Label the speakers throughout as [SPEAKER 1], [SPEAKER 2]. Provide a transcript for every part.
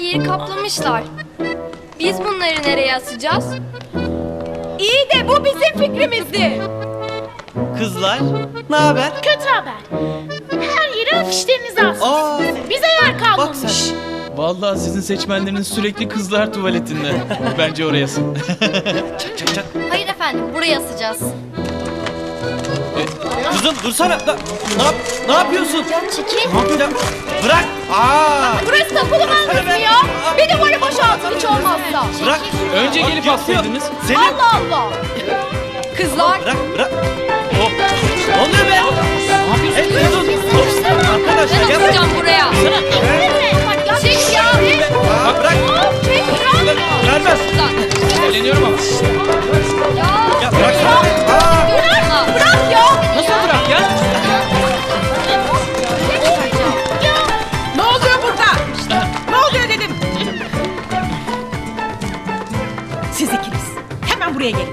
[SPEAKER 1] yeri kaplamışlar. Biz bunları nereye asacağız?
[SPEAKER 2] İyi de bu bizim fikrimizdi.
[SPEAKER 3] Kızlar, ne haber?
[SPEAKER 4] Kötü haber. Her yere afişlerinizi asmışsınız. Bize yer
[SPEAKER 3] Bak
[SPEAKER 4] kalmamış.
[SPEAKER 3] sen.
[SPEAKER 5] Vallahi sizin seçmenleriniz sürekli kızlar tuvaletinde. Bence orayasın.
[SPEAKER 1] Hayır efendim, buraya asacağız.
[SPEAKER 3] Kızım dursana. Ne yapıyorsun?
[SPEAKER 1] Ya çekil.
[SPEAKER 3] Ne yapacağım? Bırak. Aa!
[SPEAKER 2] Burası tapulu manzarası ya. Bir duvarı boşaltın hiç olmazsa.
[SPEAKER 3] Bırak.
[SPEAKER 5] Önce
[SPEAKER 3] Bak,
[SPEAKER 5] gelip
[SPEAKER 3] yapıyor.
[SPEAKER 5] assaydınız.
[SPEAKER 3] Seni.
[SPEAKER 2] Allah Allah. Kızlar.
[SPEAKER 3] Bırak. Oh. Ne oluyor be? Ne yapıyorsun? Arkadaşlar
[SPEAKER 1] Ben
[SPEAKER 3] gel.
[SPEAKER 1] asacağım buraya. Çek ya.
[SPEAKER 3] Bırak. Vermez.
[SPEAKER 5] Eğleniyorum ama.
[SPEAKER 3] Ya bırak. Aa!
[SPEAKER 2] Bırak ya.
[SPEAKER 5] Nasıl bırak ya?
[SPEAKER 2] Ne oluyor burada? Ne oluyor dedim. Siz ikiniz hemen buraya gelin.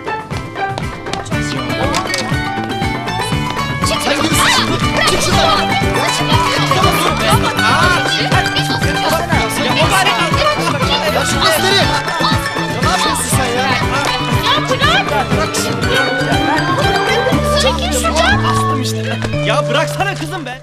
[SPEAKER 3] Ya bıraksana kızım be.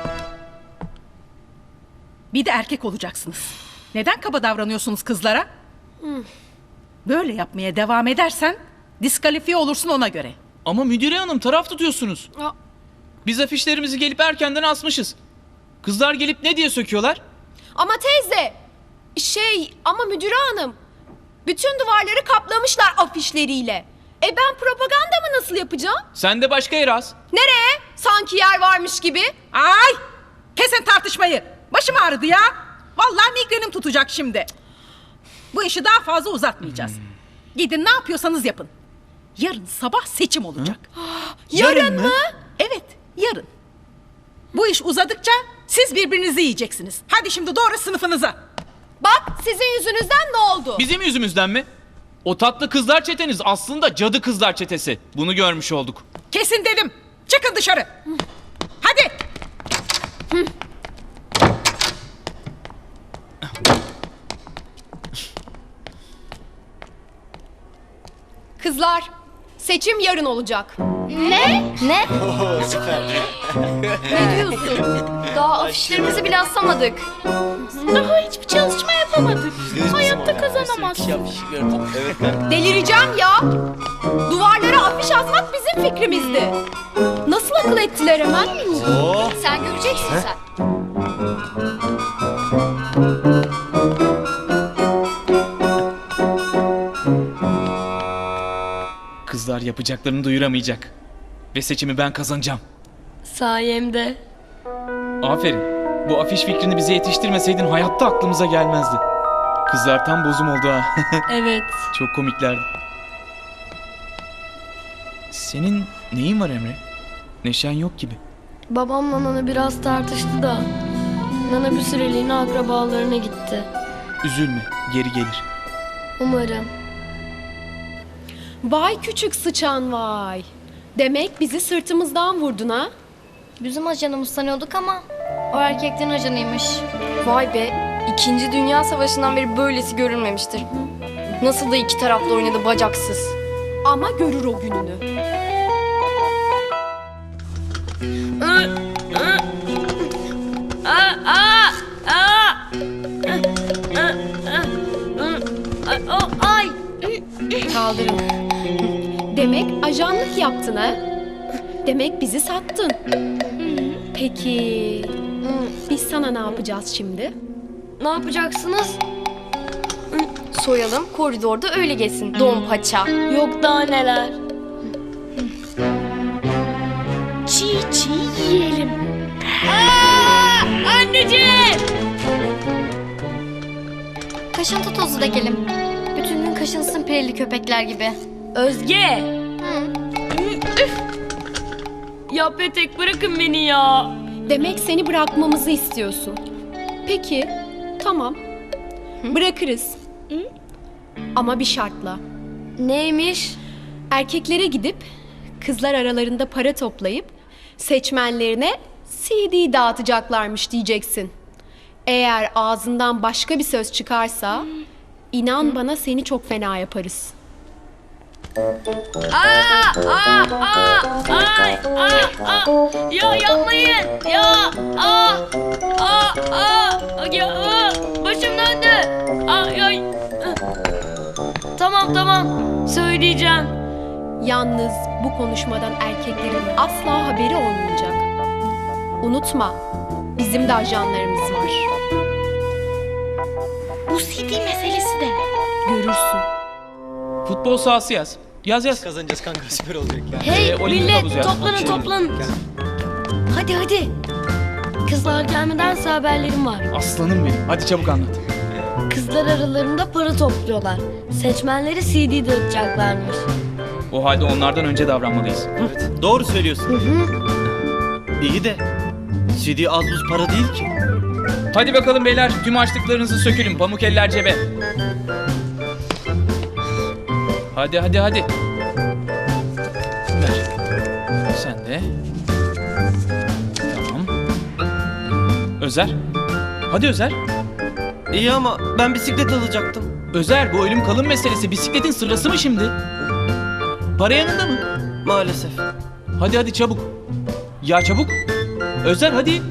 [SPEAKER 6] Bir de erkek olacaksınız. Neden kaba davranıyorsunuz kızlara? Böyle yapmaya devam edersen diskalifiye olursun ona göre.
[SPEAKER 5] Ama müdüre hanım taraf tutuyorsunuz. Biz afişlerimizi gelip erkenden asmışız. Kızlar gelip ne diye söküyorlar?
[SPEAKER 2] Ama teyze. Ama müdüre hanım. Bütün duvarları kaplamışlar afişleriyle. Ben propaganda mı nasıl yapacağım?
[SPEAKER 5] Sen de başka yere as.
[SPEAKER 2] Nereye? Sanki yer varmış gibi.
[SPEAKER 6] Ay! Kesin tartışmayı. Başım ağrıdı ya. Vallahi migrenim tutacak şimdi. Bu işi daha fazla uzatmayacağız. Gidin ne yapıyorsanız yapın. Yarın sabah seçim olacak.
[SPEAKER 2] Yarın mı?
[SPEAKER 6] Evet, yarın. Bu iş uzadıkça siz birbirinizi yiyeceksiniz. Hadi şimdi doğru sınıfınıza.
[SPEAKER 2] Bak sizin yüzünüzden ne oldu?
[SPEAKER 5] Bizim yüzümüzden mi? O tatlı kızlar çeteniz aslında cadı kızlar çetesi. Bunu görmüş olduk.
[SPEAKER 6] Kesin dedim. Çıkın dışarı. Hadi.
[SPEAKER 2] Kızlar, seçim yarın olacak.
[SPEAKER 1] Ne? Ne diyorsun? Daha afişlerimizi bile asamadık.
[SPEAKER 4] Daha hiçbir çalışma yapamadık. Hayatta kazanamazsın.
[SPEAKER 2] Delireceğim ya. Duvarlara afiş asmak bizim fikrimizdi. Nasıl akıl ettiler hemen?
[SPEAKER 1] Sen göreceksin sen.
[SPEAKER 5] Kızlar yapacaklarını duyuramayacak. Ve seçimi ben kazanacağım.
[SPEAKER 1] Sayemde.
[SPEAKER 5] Aferin. Bu afiş fikrini bize yetiştirmeseydin hayatta aklımıza gelmezdi. Kızlar tam bozum oldu ha.
[SPEAKER 1] Evet.
[SPEAKER 5] Çok komiklerdi. Senin neyin var Emre? Neşen yok gibi.
[SPEAKER 1] Babamla Nana biraz tartıştı da. Nana bir süreliğine akrabalarına gitti.
[SPEAKER 5] Üzülme, geri gelir.
[SPEAKER 1] Umarım.
[SPEAKER 2] Vay küçük sıçan vay. Demek bizi sırtımızdan vurdun ha?
[SPEAKER 1] Bizim ajanımız sanıyorduk ama o erkeklerin ajanıymış. Vay be, 2. Dünya Savaşı'ndan beri böylesi görülmemiştir. Nasıl da iki taraflı oynadı bacaksız.
[SPEAKER 2] Ama görür o gününü.
[SPEAKER 1] Ay!
[SPEAKER 2] Kaldırın. Demek ajanlık yaptın ha? Demek bizi sattın. Peki biz sana ne yapacağız şimdi?
[SPEAKER 1] Ne yapacaksınız? Soyalım, koridorda öyle geçsin. Don paça. Yok daha neler.
[SPEAKER 4] Çiğ çiğ yiyelim.
[SPEAKER 1] Anneciğim! Kaşıntı tozu dökelim. Bütün gün kaşınsın perili köpekler gibi.
[SPEAKER 7] Özge!
[SPEAKER 1] Hı.
[SPEAKER 7] Ya Petek bırakın beni ya.
[SPEAKER 2] Demek seni bırakmamızı istiyorsun. Peki, tamam. Bırakırız. Ama bir şartla.
[SPEAKER 1] Neymiş?
[SPEAKER 2] Erkeklere gidip kızlar aralarında para toplayıp seçmenlerine CD dağıtacaklarmış diyeceksin. Eğer ağzından başka bir söz çıkarsa inan bana seni çok fena yaparız.
[SPEAKER 7] Ya yapmayın. Ya. Başım döndü. Ay. Tamam. Söyleyeceğim.
[SPEAKER 2] Yalnız bu konuşmadan erkeklerin asla haberi olmayacak. Unutma, bizim de ajanlarımız var.
[SPEAKER 4] Bu CD meselesi de ne?
[SPEAKER 2] Görürsün.
[SPEAKER 5] Futbol sahası yaz. Yaz.
[SPEAKER 3] Kazanacağız kanka, süper olacak ya.
[SPEAKER 7] Hey
[SPEAKER 5] olimpik
[SPEAKER 7] millet
[SPEAKER 5] havuz ya.
[SPEAKER 7] toplanın. Hadi. Kızlar gelmedense haberlerim var.
[SPEAKER 5] Aslanım benim. Hadi çabuk anlat.
[SPEAKER 1] Kızlar aralarında para topluyorlar. Seçmenlere CD dağıtacaklarmış.
[SPEAKER 5] O halde onlardan önce davranmalıyız.
[SPEAKER 3] Evet, doğru söylüyorsun. İyi de CD az buz para değil ki.
[SPEAKER 5] Hadi bakalım beyler, tüm açlıklarınızı sökülün. Pamuk eller cebe. Hadi. Ver. Sen de. Tamam. Özer. Hadi Özer.
[SPEAKER 3] İyi ama ben bisiklet alacaktım.
[SPEAKER 5] Özer, bu ölüm kalım meselesi bisikletin sırası mı şimdi? Para yanında mı?
[SPEAKER 3] Maalesef.
[SPEAKER 5] Hadi çabuk. Ya çabuk. Özer hadi.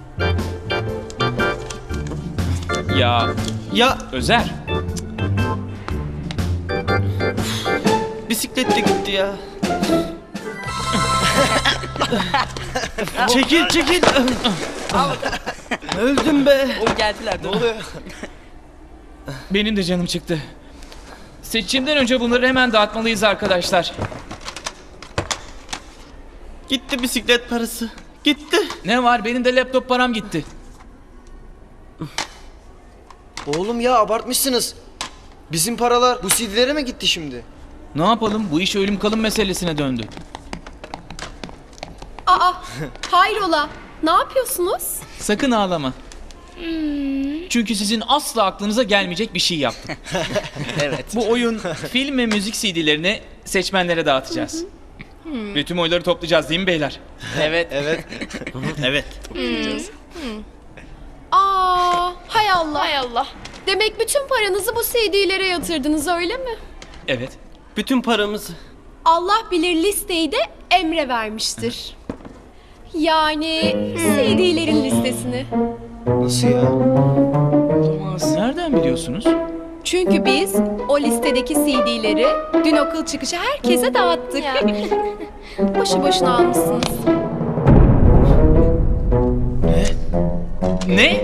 [SPEAKER 5] Ya Özer.
[SPEAKER 3] Bisiklet de gitti ya. Çekil. Öldüm be.
[SPEAKER 5] Benim de canım çıktı. Seçimden önce bunları hemen dağıtmalıyız arkadaşlar.
[SPEAKER 3] Gitti bisiklet parası. Gitti.
[SPEAKER 5] Ne var? Benim de laptop param gitti.
[SPEAKER 8] Oğlum ya abartmışsınız. Bizim paralar bu CD'lere mi gitti şimdi?
[SPEAKER 5] Ne yapalım? Bu iş ölüm kalım meselesine döndü.
[SPEAKER 2] Aa, hayrola? Ne yapıyorsunuz?
[SPEAKER 5] Sakın ağlama. Çünkü sizin asla aklınıza gelmeyecek bir şey yaptım.
[SPEAKER 3] Evet.
[SPEAKER 5] Bu oyun, film ve müzik CD'lerini seçmenlere dağıtacağız. Ve tüm oyları toplayacağız değil mi beyler?
[SPEAKER 3] Evet. Evet.
[SPEAKER 2] Aa, hay Allah.
[SPEAKER 1] Hay Allah.
[SPEAKER 2] Demek bütün paranızı bu CD'lere yatırdınız öyle mi?
[SPEAKER 5] Evet.
[SPEAKER 3] Bütün paramızı.
[SPEAKER 2] Allah bilir listeyi de Emre vermiştir. Yani CD'lerin listesini.
[SPEAKER 8] Nasıl ya?
[SPEAKER 5] Nereden biliyorsunuz?
[SPEAKER 2] Çünkü biz o listedeki CD'leri dün okul çıkışı herkese dağıttık. Boşu boşuna almışsınız.
[SPEAKER 5] Ne?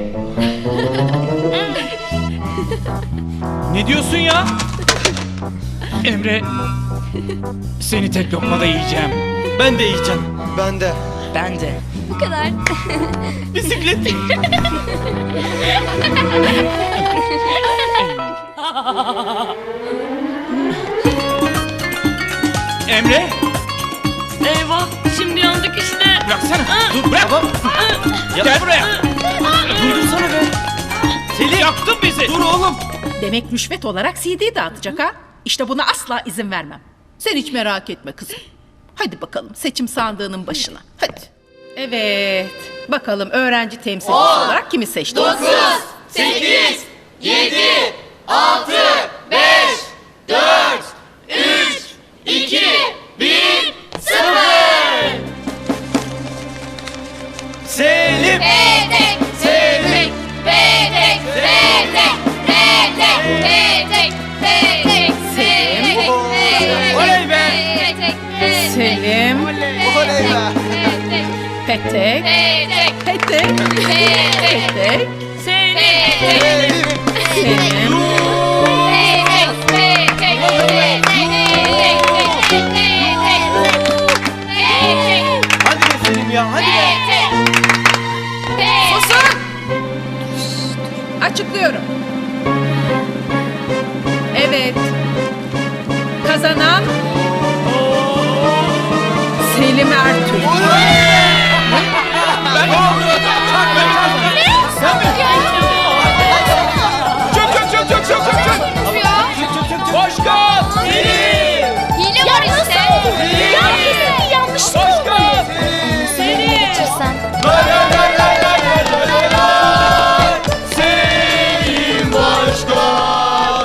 [SPEAKER 5] Ne diyorsun ya? Emre, seni tek lokmada yiyeceğim.
[SPEAKER 3] Ben de yiyeceğim.
[SPEAKER 8] Ben de.
[SPEAKER 1] Bu kadar.
[SPEAKER 3] Bisiklet.
[SPEAKER 5] Emre,
[SPEAKER 7] Eyvah şimdi yandık işte.
[SPEAKER 5] bıraksana. Dur bırak. Gel buraya.
[SPEAKER 3] Durdursana be.
[SPEAKER 5] Seni yaktın bizi.
[SPEAKER 3] Dur oğlum.
[SPEAKER 6] Demek rüşvet olarak CD dağıtacak ha? İşte buna asla izin vermem. Sen hiç merak etme kızım. Hadi bakalım seçim sandığının başına. Hadi. Evet. Bakalım öğrenci temsilcisi olarak kimi seçtiniz?
[SPEAKER 3] 9, 8, 7, 6, 5, 4, 3, 2, 1, 0. Selim. Oley be.
[SPEAKER 6] Selim,
[SPEAKER 8] Oley be.
[SPEAKER 6] Petek, Petek, Petek,
[SPEAKER 7] Selim.
[SPEAKER 6] Selim,
[SPEAKER 3] Hadi be Selim ya, hadi be.
[SPEAKER 6] Susun! Açıklıyorum. Evet. Kazanan Selim Ertuğ.